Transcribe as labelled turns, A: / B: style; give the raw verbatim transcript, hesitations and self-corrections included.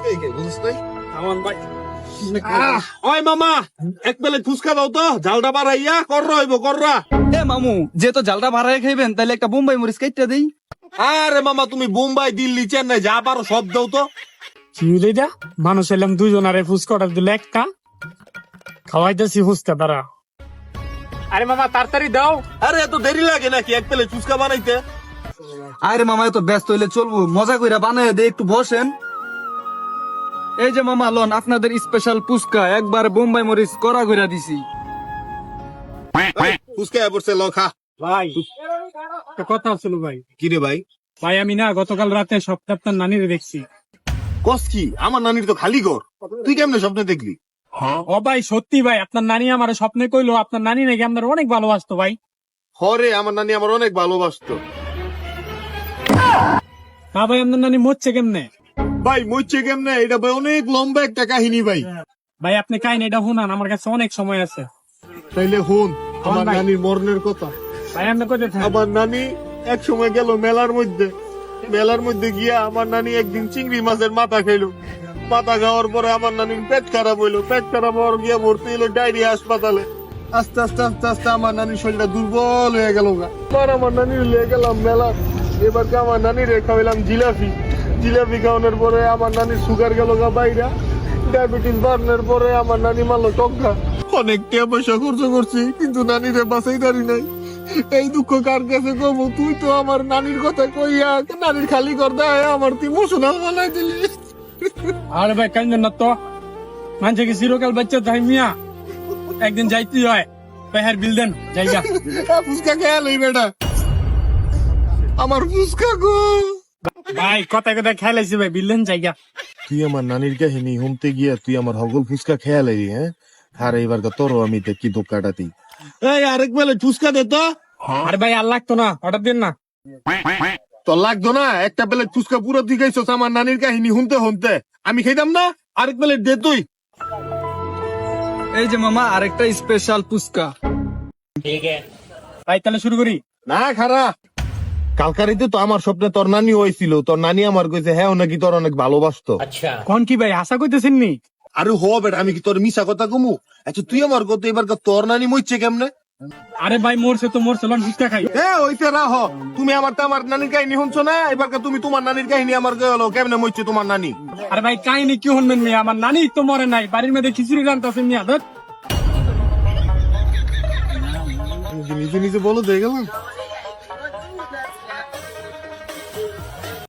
A: ফুচকাই খাই, বুঝছ নাই?
B: আমার ভাই
A: আহ, ওই মামা এক প্লেট ফুচকা দাও তো, ঝালটা বাড়াইয়া কররা হইব কররা।
C: এ মামু যে তো জালটা ভাড়ায় খাইবেন তাহলে একটা বোম্বাই মরিচ কাইটটা দেই।
A: আরে মামা তুমি বোম্বাই দিল্লি চেন্নাই যা পারো সব দাও তো।
B: কি হইলে মানুষ এলাম দুইজন আরে ফুচকা অর্ডার দিলে একটা খাওয়াইতেছি ফুচকা তারা। আরে মামা তাড়াতাড়ি দাও।
A: আরে এত দেরি লাগে নাকি এক প্লেট ফুচকা বানাইতে?
C: আরে মামা এত ব্যস্ত হইলে চলবো, মজা কইরা বানায় দে, একটু বসেন। এই যে মামা লন আপনাদের স্পেশাল ফুচকা, একবার বোম্বাই মরিচ করা কইরা দিছি।
A: ফুচকা পড়ছে ল খা।
B: ভাই একটা কথা ছিল ভাই।
A: কি রে ভাই?
B: ভাই আমি না গতকাল রাতে স্বপ্নে আপনার নানিরে দেখছি।
A: কস কি? আমার নানির তো খালি ঘর, তুই কেমনে স্বপ্নে দেখলি?
B: ও ভাই সত্যি ভাই, আপনার নানি আমার স্বপ্নে কইলো আপনার নানি নাকি আপনার অনেক ভালোবাসতো ভাই।
A: হরে আমার নানি আমার অনেক ভালোবাসতো।
B: না ভাই আপনার নানি মরছে কেমনে?
A: ভাই মরছে কেমনে এটা ভাই অনেক লম্বা একটা কাহিনী ভাই।
B: ভাই আপনি কাহিনী এটা শুনান, আমার কাছে অনেক সময় আছে।
A: তাইলে হুন আমার
B: ভাই।
A: নানির মরণের কথা।
B: ভাই আপনি কইতে থাকেন।
A: আমার নানি এক সময় গেল মেলার মধ্যে, মেলার মধ্যে গিয়া আমার নানি একদিন চিংড়ি মাছের মাথা খাইলো। মাথা খাওয়ার পরে আমার নানির পেট খারাপ হইলো, পেট খারাপ হওয়ার গিয়া ভর্তি হইলো ডায়রিয়া হাসপাতালে। আস্তে আস্তে আস্তে আস্তে আমার নানির শরীরটা দুর্বল হয়ে গেল। এবার আমার নানির লিয়ে গেলাম মেলা, এবার আমার নানির খাওয়াইলাম জিলাপি। জিলাপি খাওয়ানোর পরে আমার নানির সুগার গেল গা বাইরা, ডায়াবেটিস বাড়ানোর পরে আমার নানি মারলো টঙ্কা। অনেক টাকা পয়সা খরচ করছি কিন্তু নানিরে বাঁচাই দাঁড়ি নাই। এই দুঃখ কার কাছে কব? তুই তো আমার নানির কথা কইয়া নানির খালি কর দেয় আমার তুই ইমোশনাল বানাই দিলি।
B: আরে ভাই কান্দেন না তো, মানুষে কি চিরকাল বাচ্চা তাই মিয়া, একদিন যাইতেই হয়। পেহার বিল দেন জায়গা।
A: ফুচকা খেয়াল এই বেটা, আমার ফুচকা গো।
B: ভাই কথা কথা খেলাইছি ভাই, বিল দেন জায়গা।
A: তুই আমার নানির কাহিনী শুনতে গিয়া তুই আমার হগল ফুচকা খেয়াল এই হ্যাঁ? আর এইবার তোর আমি কি দোকাটাতি। এই আরেক বেলা ফুচকা দে তো।
B: আরে ভাই আর লাগতো না, অর্ডার দিন না।
A: তোর লাগতো না? একটা প্লেট ফুচকা পুরো দিকেইছস আমার নানির কাহিনী শুনতে শুনতে, আমি খাইতাম না? আরেক প্লেট দে তুই।
C: এই যে মামা আরেকটা স্পেশাল ফুচকা।
B: ভাই তাহলে শুরু করি।
A: না খারা, কালকারিতে তো আমার স্বপ্নে তোর নানি হয়েছিল, তোর নানি আমার কইছে হ্যাঁ ও নাকি তোর অনেক ভালোবাসতো।
B: কোন কি ভাই আশা কইতেছেন নি?
A: আরে হ বেটা, আমি কি তোর মিশা কথা কমু? আচ্ছা তুই আমার কত এবার তোর নানি মরছে কেমনে?
B: আরে ভাই মরছে তো মরছে, লন ফুচকা খাই।
A: এ ওইতে রাহ, তুমি আমার তো আমার নানির কাহিনী শুনছো না, এবার তুমি তোমার নানির কাহিনী আমার গেলো কেমনে মরছে তোমার নানি।
B: আরে ভাই কাহিনী কি শুনবেন মিয়া, আমার নানি তো মরে নাই, বাড়ির মধ্যে খিচুড়ি রান্তাছেন মিয়া। ধর
A: নিজে নিজে বলো দিয়ে গেলাম।